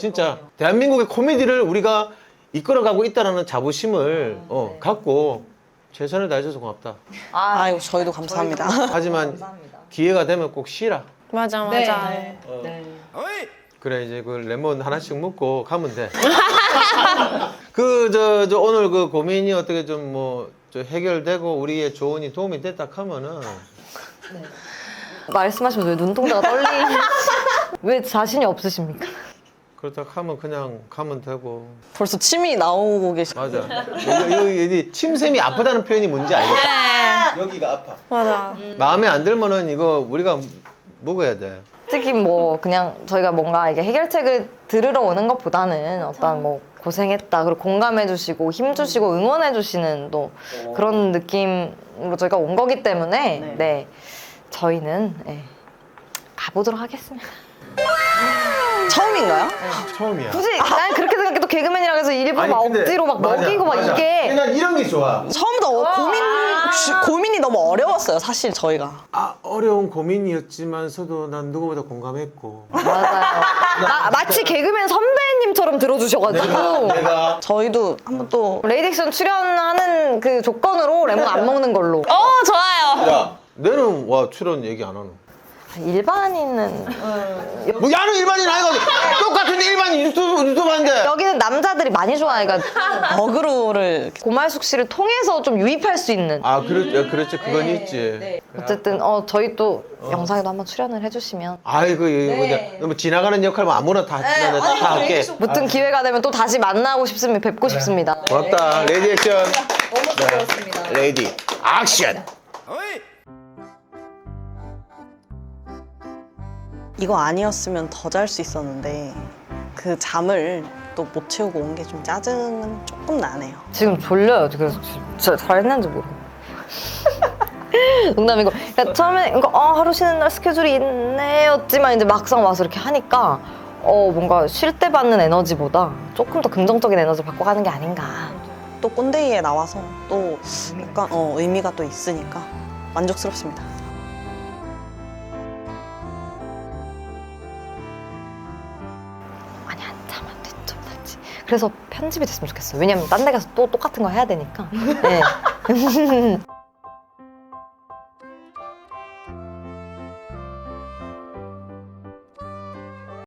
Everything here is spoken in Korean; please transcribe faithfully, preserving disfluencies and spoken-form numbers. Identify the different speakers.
Speaker 1: 진짜 대한민국의 코미디를 우리가 이끌어가고 있다는 자부심을 어, 갖고 최선을 다해줘서 고맙다.
Speaker 2: 아이고 저희도 감사합니다.
Speaker 1: 하지만 기회가 되면 꼭 쉬라.
Speaker 3: 맞아 맞아.
Speaker 4: 네.
Speaker 1: 어.
Speaker 4: 네.
Speaker 1: 그래 이제 그 레몬 하나씩 먹고 가면 돼. 그 저 저 오늘 그 고민이 어떻게 좀 뭐 해결되고 우리의 조언이 도움이 됐다 하면은
Speaker 5: 말씀하시면서 왜 눈동자가 떨리? 왜 자신이 없으십니까?
Speaker 1: 그렇다 하면 그냥 가면 되고.
Speaker 2: 벌써 침이 나오고 계시.
Speaker 1: 맞아. 여기, 여기, 여기 침샘이 아프다는 표현이 뭔지 알겠다. 여기가 아파.
Speaker 3: 맞아.
Speaker 1: 마음에 안 들면은 이거 우리가 먹어야 돼.
Speaker 5: 특히 뭐 그냥 저희가 뭔가 이게 해결책을 들으러 오는 것보다는 어떤 뭐 고생했다 그리고 공감해주시고 힘주시고 응원해주시는 또 그런 느낌으로 저희가 온 거기 때문에
Speaker 4: 네.
Speaker 5: 네, 저희는 네, 가보도록 하겠습니다.
Speaker 2: 처음인가요?
Speaker 1: 처음이야.
Speaker 5: 굳이 난 그렇게 생각해. 또 개그맨이라 해서 일부러 막
Speaker 1: 근데
Speaker 5: 억지로 막
Speaker 1: 맞아,
Speaker 5: 먹이고 막
Speaker 1: 맞아.
Speaker 5: 이게
Speaker 1: 난 이런 게 좋아.
Speaker 2: 처음부터 어, 고민 주- 고민이 너무 어려웠어요. 사실 저희가.
Speaker 1: 아 어려운 고민이었지만서도 난 누구보다 공감했고.
Speaker 5: 맞아요. 마, 마치 개그맨 선배님처럼 들어주셔가지고
Speaker 1: 내가
Speaker 2: 저희도 한번 또
Speaker 5: 레이딕션 출연하는 그 조건으로 레몬 안 먹는 걸로.
Speaker 3: 어 좋아요.
Speaker 1: 야 너는 와 출연 얘기 안 하노?
Speaker 5: 일반인은
Speaker 1: 뭐 야는 일반인 아니거든. 똑같은데 일반인 유튜브 유튜브인데.
Speaker 5: 여기는 남자들이 많이 좋아해가지고
Speaker 2: 어그로를
Speaker 5: 고말숙 씨를 통해서 좀 유입할 수 있는.
Speaker 1: 아 그렇 야, 그렇지 그건 있지.
Speaker 5: 어쨌든 어 저희 또 영상에도 한번 출연을 해주시면
Speaker 1: 아이고 이거
Speaker 4: 네.
Speaker 1: 뭐 지나가는 역할 뭐 아무나 다, 다, 다, 다 할게.
Speaker 5: 무튼 기회가 되면 또 다시 만나고 싶습니다. 뵙고 싶습니다.
Speaker 1: 고맙다. 레디 액션.
Speaker 4: 너무 즐거웠습니다.
Speaker 1: 레디 액션.
Speaker 2: 이거 아니었으면 더 잘 수 있었는데 그 잠을 또 못 채우고 온 게 좀 짜증은 조금 나네요.
Speaker 5: 지금 졸려요. 그래서 진짜 잘했는지 모르고. 농담이고. 그러니까 처음에 이거 어, 하루 쉬는 날 스케줄이 있네였지만 이제 막상 와서 이렇게 하니까 어 뭔가 쉴 때 받는 에너지보다 조금 더 긍정적인 에너지 받고 가는 게 아닌가.
Speaker 2: 또 꼰대이에 나와서 또 약간 어, 의미가 또 있으니까 만족스럽습니다.
Speaker 5: 많이 안 참았대 좀 낫지. 그래서 편집이 됐으면 좋겠어요. 왜냐면 딴 데 가서 또 똑같은 거 해야 되니까. 네.